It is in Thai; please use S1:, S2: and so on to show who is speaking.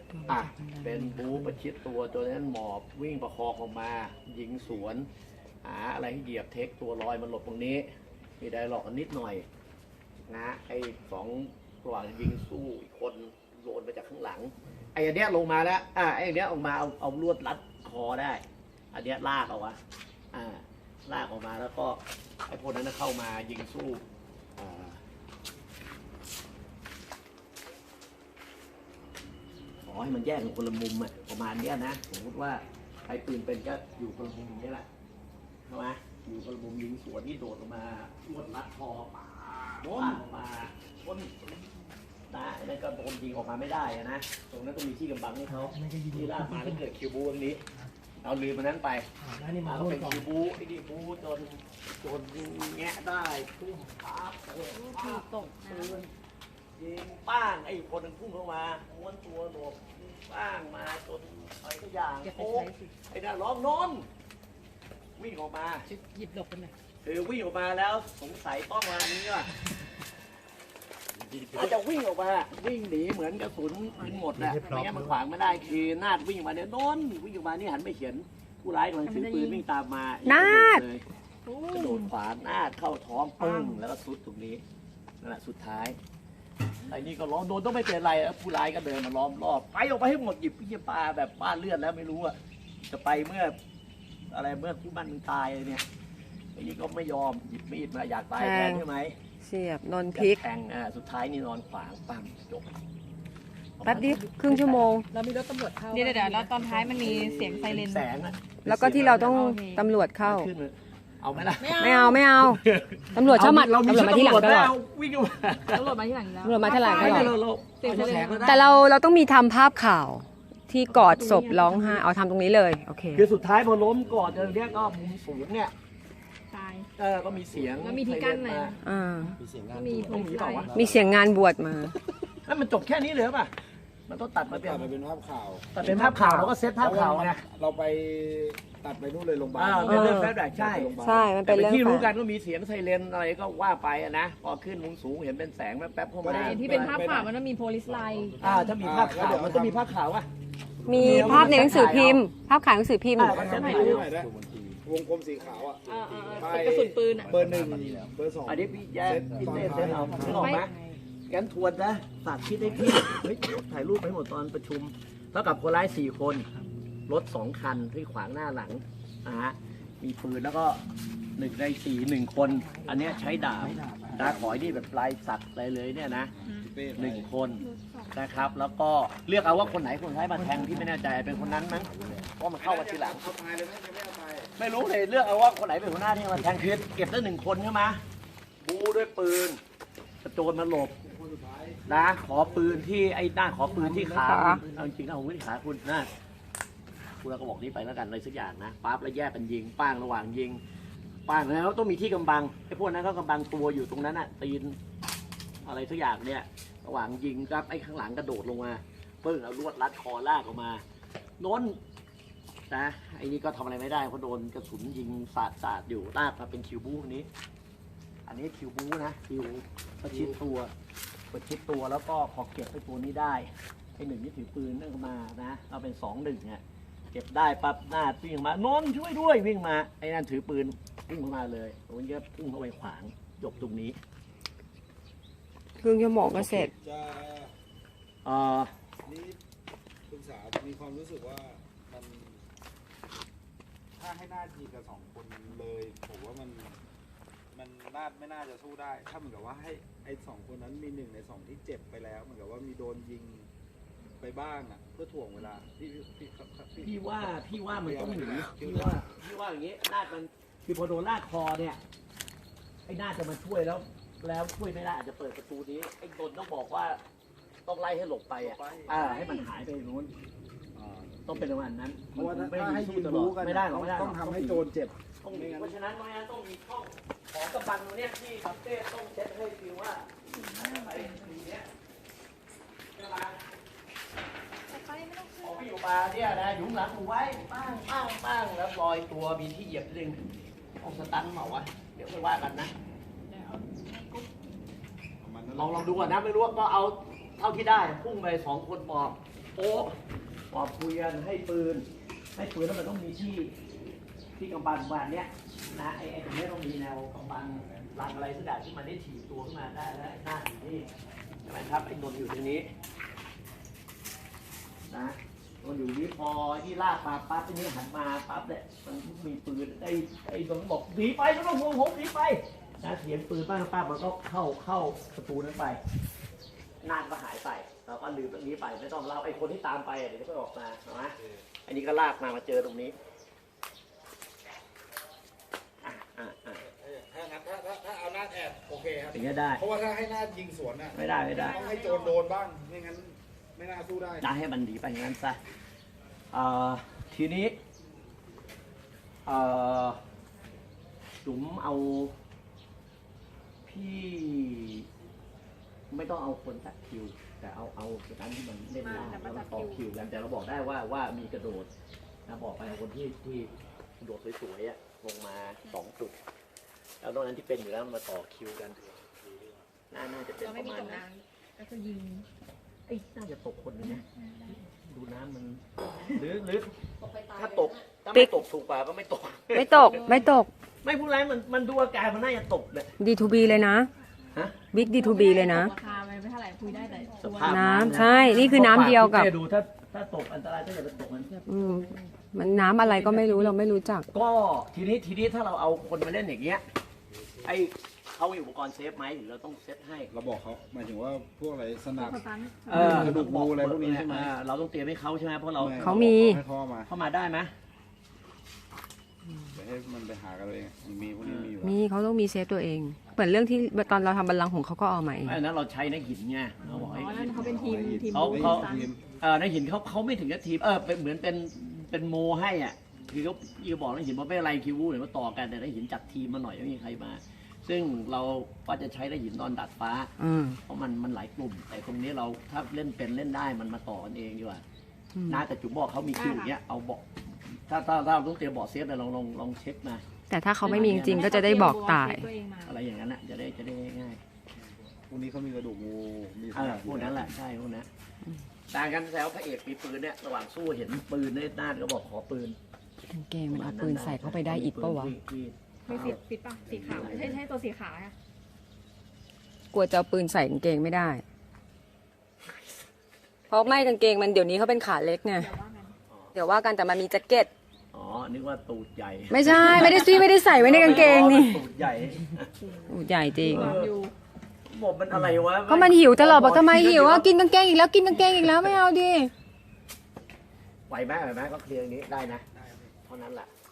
S1: อ่ะเป็นบูประชิดตัวนั้นหมอบวิ่งประคองออกมายิงสวนหาอะไรให้เหยียบเทคตัวลอยมันหลบตรงนี้มีไดร์ล็อกนิดหน่อยนะไอ้สองระหว่างยิงสู้อีกคนโดนมาจากข้างหลังไอ้อันเนี้ยลงมาแล้วไอ้อันเนี้ยออกมาเอาลวดรัดคอได้อันเนี้ยลากเอาวะลากออกมาแล้วก็ไอ้พวกนั้นเข้ามายิงสู้ขอให้มันแยกกันคนละมุมอ่ะประมาณเนี้ยนะสมมติว่าไอ้ปืนเป็นก็อยู่คนละมุมนี้แหละใช่ไหมอยู่คนละมุมยิงสวนที่โดดออกมาลวดรัดคอป่าโดนออกมาพ้นนะนั่นก็โดนยิงออกมาไม่ได้นะตรงนั้นก็มีที่กำบังให้เขาที่ลากมาแล้วเกิดคิวบูตรงนี้เอาลืมมันนั้นไปแล้วเป็นคิวบูไอ้ดิบูโดนแงะได้พุ่งปั๊บตกปืนยิงป้างไอ้คนนึงพุ่งเข้ามาม้วนตัวหลบป้างมาจนอะไรทุกอย่างโอ้ไอ้น่าร้องนอนวิ่งออกมา
S2: หยิบหลบกันเลย
S1: วิ่งออกมาแล้วสงสัยต้องมานี้ว่ะอาจจะวิ่งออกมาวิ่งหนีเหมือนกระสุนมันหมดแหละไม่งั้นมันขวางไม่ได้คือนาดวิ่งมาเนี่ยโดนวิ่งออกมานี่หันไปเห็นผู้ร้ายกำลังถือปืนวิ่งตามมานาดเลยกระโดดขวานาดเข้าท้องปึ้งแล้วก็ซุดตรงนี้นั่นแหละสุดท้ายไอ้นี่ก็ร้องโดนต้องไม่เป็นไรผู้ร้ายก็เดินมาล้อมรอบไปออกไปให้หมดหยิบพี่ปลาแบบบ้านเลือดแล้วไม่รู้อ่ะจะไปเมื่ออะไรเมื่อคู่บ้านมึงตายเนี่ยไอ้นี่ก็ไม่ยอมหยิบมีดมาอยากตายแทนใช่ไหม
S3: เสียบนอนพลิก
S1: แทงสุดท้ายนี่นอนขวางปั๊มจบ
S3: แป๊บดิครึ่งชั่วโมง
S2: เรามีรถตำรวจเข้าเดี๋ยวแล้วตอนท้ายมันมีเสียงไซเรน
S1: แสง
S3: แล้วก็ที่เราต้องตำรวจเข้า
S1: เอาไหมล่ะ
S3: ไม่เอาตำรวจเข้ามาตำรวจมาที่หลังตลอด
S1: วิ่งมา
S2: ตำรวจมาที่หลังแล้ว
S3: ตำรวจมาที่หลังตลอดแต่
S1: เ
S3: ราต้องมีทำภาพข่าวที่กอดศพร้องไห้เอาทำตรงนี้เลยโอเค
S1: คือสุดท้ายพอล้มกอดเนี้ยก็มุมสูงเนี่ย
S2: ตาย
S1: ก็มีเสียง
S2: แล้วมีที่กั้นไหม
S1: มีเสียงงานต้องมีเปล่าวะ
S3: มีเสียงงานบวชมา
S1: แล้วมันจบแค่นี้เลยป่ะมันต้องตัดมา
S4: เป็นภาพข่าว
S1: ตัดเป็นภาพข่าวแล้วก็เซตภาพข่าวไง
S4: เราไปตัดไปนู่นเลยโรงพยาบาล
S1: เป็นเรื่องแฟลชแบ็ก
S3: ใช่มันเป็นเรื่อง
S1: ที่รู้กันว่ามีเสียงไซเรนอะไรก็ว่าไปนะพอขึ้นมุมสูงเห็นเป็นแสงแป๊บๆเข้ามา
S2: ที่เป็นภาพข่าวมันต้องมีโพลิสไลน์
S1: ถ้ามีภาพข่าวมันต้องมีภาพข่าวว่ะ
S3: มีภาพในหนังสือพิมพ์ภาพขายหนังสือพิมพ์
S4: วงกลมสีขาว
S2: กระสุนปืน
S4: เบอร์ 1เบอร์ 2
S1: อันนี้พี่แย่พี่เต้เต้เอาไม่ออกไหมงั้นทวนนะฝากคิดให้พี่ถ่ายรูปไปหมดตอนประชุมเท่ากับคนร้าย4 คนรถ2 คันที่ขวางหน้าหลังมีปืนแล้วก็1 ใน 4 1 คนอันนี้ใช้ดาบตาขอยนี่แบบลายสักอะไรเลยเนี่ยนะ1 คนนะครับแล้วก็เลือกเอาว่าคนไหนคนร้ายมาแทงที่ไม่แน่ใจเป็นคนนั้นมั้งเพราะมันเข้ามาทีหลังไม่รู้เลยเลือกเอาว่าคนไหนเป็นหัวหน้าที่มาแทงคือเก็บได้1 คนใช่ไหมบูด้วยปืนกระโจนมาหลบนะขอปืนที่ไอ้หน้าขอปืนที่ขาเอาจริงๆนะผมไม่ได้ขาคุณนะคุณเราก็บอกนี้ไปแล้วกันอะไรสักอย่างนะปั๊บแล้วแยกกันยิงป้างระหว่างยิงป้างแล้วต้องมีที่กำบังไอ้พวกนั้นก็กำบังตัวอยู่ตรงนั้นอ่ะตีนอะไรสักอย่างเนี่ยระหว่างยิงครับไอ้ข้างหลังกระโดดลงมาปึ้งเอาลวดรัดคอลากออกมาโน้นนะไอ้นี่ก็ทำอะไรไม่ได้เพราะโดนกระสุนยิงสาดอยู่ลากมาเป็นคิวบูนี้อันนี้คิวบูนะคิวประชิดตัวแล้วก็พอเก็บไอ้ตัวนี้ได้ไอ้1นี่ถือปืนนั่งมานะเราเป็น2-1เนี่ยเก็บได้ปั๊บหน้าวิ่งมาโน้นช่วยด้วยวิ่งมาไอ้นั่นถือปืนวิ่งเข้ามาเลยตรงนี้ก็พุ่งเข้าไปขวางจบตรงนี้
S3: ครึ่งชั่วโมงก็เสร็จ
S4: นี่คุณสาวมีความรู้สึกว่ามันถ้าให้หน้าทีกับ2 คนเลยผมว่ามันไม่น่าจะสู้ได้ถ้าเหมือนกับว่าให้ไอ้2 คนนั้นมี1 ใน 2ที่เจ็บไปแล้วเหมือนกับว่ามีโดนยิงไปบ้างเพื่อถ่วงเวลา
S1: พี่ว่ามันต้องหนีพี่ว่าอย่างนี้นาดมันคือพอโดนลากคอเนี่ยไอ้นาดจะมาช่วยแล้วช่วยไม่ได้อาจจะเปิดประตูนี้ไอ้โดนต้องบอกว่าต้องไล่ให้หลบไปให้มันหายไปนู้นต้องเป็นประมาณนั้น
S4: เพราะว่าถ้าให้ยืนรู้กัน
S1: ไม่ได้
S4: ต้องทำให้โจรเจ็บ
S1: เพราะฉะนั้นต้องมีช่องของกำบังตรงนี้ที่คาเฟ่ต้องเช็ดให้ฟิวว่าไอ้ตรงนี้พอพี่อยู่มาเนี่ยนะหยุมหลังถูไว้ป้างแล้วลอยตัวมีที่เหยียบนึงเอาสตันเหมาวะเดี๋ยวไปว่ากันนะลองดูก่อนนะไม่รู้ว่าก็เอาเท่าที่ได้พุ่งไป2 คนปอบโอ้ปอบคุยกันให้ปืนแล้วมันต้องมีที่กำบังบ้านเนี้ยนะไอ้ตรงนี้ต้องมีแนวกำบังหลังอะไรสักอย่างที่มันได้ถีบตัวขึ้นมาได้แล้วหน้าอยู่นี่ใช่ไหมครับไอ้นนท์อยู่ตรงนี้นะนนท์อยู่นี่พอที่ลากมาปั๊บไอ้นี่หันมาปั๊บเนี่ยมันมีปืนไอ้นนท์บอกหนีไปไม่ต้องห่วงผมหนีไปนะเสียงปืนป้ามันก็เข้าประตูนั้นไปนานก็หายไปเราก็ลืมตรงนี้ไปไม่ต้องเล่าไอ้คนที่ตามไปเดี๋ยวก็ออกมาใช่ไหมอันนี้ก็ลากมาเจอตรงนี้
S4: ถ้างั้นถ้าเอาหน้าแอบโอเคครับ
S1: อย่างนี้ได้
S4: เพราะว่าถ้าให้หน้ายิงสวนน่ะ
S1: ไม่ได้
S4: ต้องให้โจรโดนบ้างไม่งั้นไม่น่าสู้ได้
S1: จะให้มันหนีไปอย่างนั้นซะทีนี้จุ๋มเอาพี่ไม่ต้องเอาคนจัดคิว แต่เอาอย่างนั้นที่มันเล่นยากแล้วต่อคิวกันแต่เราบอกได้ว่ามีกระโดดนะบอกไปคนที่กระโดดสวยๆอะลงมา2 จุดแล้วตรงนั้นที่เป็นอยู่แล้วมาต่อคิวกันน่าจะเป็น
S2: เรา
S1: ป
S2: ไม่
S1: ระ
S2: มี
S1: มาณ
S2: ตก
S1: นั้น
S2: น้ำก็จะยิง
S1: น่าจะตกคนนึงนะดูน้ำมันหรือถ้า
S3: ติ๊
S1: ไม่
S3: ก
S1: ตกถูกกว่าก็ไม่ตก
S3: ไม่ตก
S1: ไม่พูดไรมันดูอาการมันน่าจะตกเลย
S3: D2B เลยนะ
S1: ฮะ
S3: บิ๊ก D2B เลยนะ
S2: ราคามันไม่เท่าไหร่คุยได้แต่
S1: ส
S2: ตัว
S1: ภาพ
S3: น้ำใช่นี่คือน้ำเดียวกับ
S1: ดูถ้าตกอันตรายก็อย่าไปตกมัน
S3: มันน้ำอะไรก็ไม่รู้เราไม่รู้จัก
S1: ก็ทีนี้ถ้าเราเอาคนมาเล่นอย่างเงี้ยไอเขามีอุปกรณ์เซฟไหมหรือเราต้องเซตให้
S4: เราบอกเขาหมายถึงว่าพวกอะไรสนับ
S2: สตัน
S4: กระดูกงูอะไรพวกนี้ใช่ไหม
S1: เราต้องเตรียมให้เขาใช่ไหมเพราะเรา
S3: เขามี
S4: ให้พ่อมา
S1: เข้ามาได้ไหม
S4: เดี๋ยวให้มันไปหากันเองมันมีพวกนี้มีอยู่
S3: มีเขาต้องมีเซฟตัวเอง เหมือนเรื่องที่ตอนเราทำบัลลังก์ของเขาก็เอามาเอง
S1: ไอ้นั้นเราใช้ในหินไงเราบอก
S2: อ๋อ
S1: ไอ้
S2: นั่นเขาเป็นทีม
S1: เขา
S4: ทีม
S1: ในหินเขาไม่ถึงกับทีมเป็นเหมือนเป็นโมให้อ่ะคือเขาบอกในหินว่าไม่อะไรคิวเดี๋ยวมาต่อกันแต่ในหินจัดทีมมาหน่อยไม่มีใครมา ซึ่งเราก็จะใช้ในหินตอนดัดฟ้า เพราะมันหลายกลุ่ม แต่ตรงนี้เราถ้าเล่นเป็นเล่นได้มันมาต่อกันเองดีกว่านะแต่จุ๋มบอกเขามีคิวอย่างเงี้ยเอาบอกถ้าเราต้องเตรียมบอกเซฟเลยลองเช็คมา
S3: แต่ถ้าเขาไม่มีจริงๆก็จะได้บอกตาย
S1: อะไรอย่างนั้นอ่ะจะได้ง่าย
S4: พวกนี้เขามีกระดูกงูมีสนับ
S1: พวกนั้นแหละใช่พวกนั้นต่างกันแซวพระเอกมีปืนเนี่ยระหว่างสู้เห็นปืนเนี่ยหน้าก็บอกขอปืน
S3: กางเกงมันเอาปืนใส่เข้าไปได้อีกปะวะ
S2: มีสีปิดป่ะสีขาวใช่ตัวสีขาวอะ
S3: กลัวจะเอาปืนใส่กางเกงไม่ได้ เพราะไม่กางเกงมันเดี๋ยวนี้เขาเป็นขาเล็กไง เดี๋ยวว่ากันแต่มันมีแจ็คเก็ต
S1: อ๋อนึกว่าตูดใหญ่
S3: ไม่ใช่ไม่ได้ใส่ไว้ในกางเกงนี่
S1: ตูดใหญ่
S3: อู้ใหญ่จริง
S2: อยู่
S1: บอกมันอะไรวะ
S3: ก็มันหิวตลอดบอกทำไมหิวอ่ะกินกางเกงอีกแล้วกินกางเกงอีกแล้วไม่เอาดิ
S1: ไหวไหมก็เคลียร์อย่างนี้ได้นะเท่านั้นแหละ